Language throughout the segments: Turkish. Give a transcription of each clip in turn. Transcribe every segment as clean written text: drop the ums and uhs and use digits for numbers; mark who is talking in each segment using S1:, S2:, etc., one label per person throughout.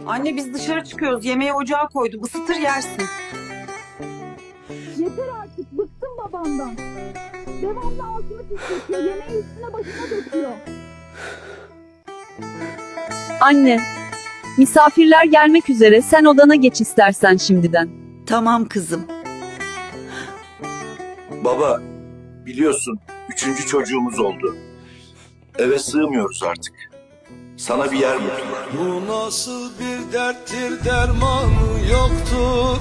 S1: Anne biz dışarı çıkıyoruz. Yemeği ocağa koydum. Isıtır yersin.
S2: Yeter artık, bıktım babamdan. Devamlı altını pisletiyor, yemeği üstüne başına döküyor.
S3: Anne, misafirler gelmek üzere, sen odana geç istersen şimdiden.
S4: Tamam kızım.
S5: Baba, biliyorsun 3. çocuğumuz oldu. Eve sığmıyoruz artık. Sana bir yer buldular.
S6: Bu nasıl bir derttir, dermanı yoktur.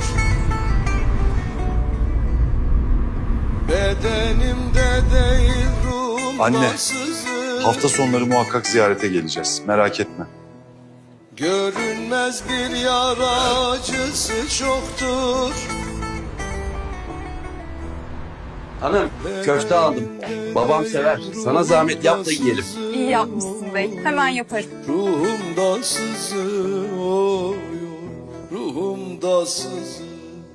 S6: Bedenimde değil ruhumda
S7: Anne,
S6: sızır.
S7: hafta sonları muhakkak ziyarete geleceğiz. Merak etme.
S6: Görünmez bir yara acısı çoktur.
S8: Hanım, köfte aldım. Babam sever. Sana zahmet yap da yiyelim.
S9: İyi yapmışsın bey. Hemen yaparım.
S6: Ruhumda sızır, oy, oy, ruhumda sızır.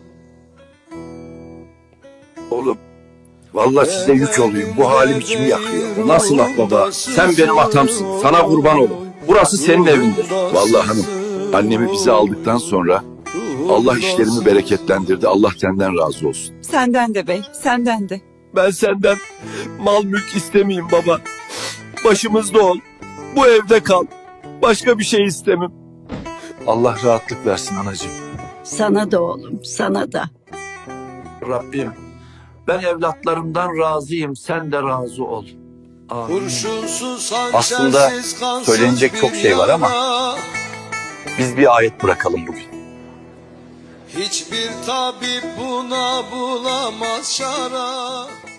S5: Oğlum, vallahi size yük olayım. Bu halim içimi yakıyor.
S8: Nasıl laf baba? Sen benim atamsın. Sana kurban olun. Burası senin evindir.
S5: Vallahi hanım, annemi bize aldıktan sonra Allah işlerimi bereketlendirdi. Allah senden razı olsun.
S4: Senden de bey, senden de.
S5: Ben senden mal mülk istemeyeyim baba. Başımızda ol. Bu evde kal. Başka bir şey istemem.
S7: Allah rahatlık versin anacığım.
S4: Sana da oğlum, sana da.
S5: Rabbim, ben evlatlarımdan razıyım. Sen de razı ol. Amin.
S6: Kurşunsuz,
S8: Aslında
S6: hançersiz, kansız
S8: söylenecek çok
S6: bir
S8: şey var ama
S6: yara.
S8: biz bir ayet bırakalım bugün.
S6: Hiçbir tabip buna bulamaz şara.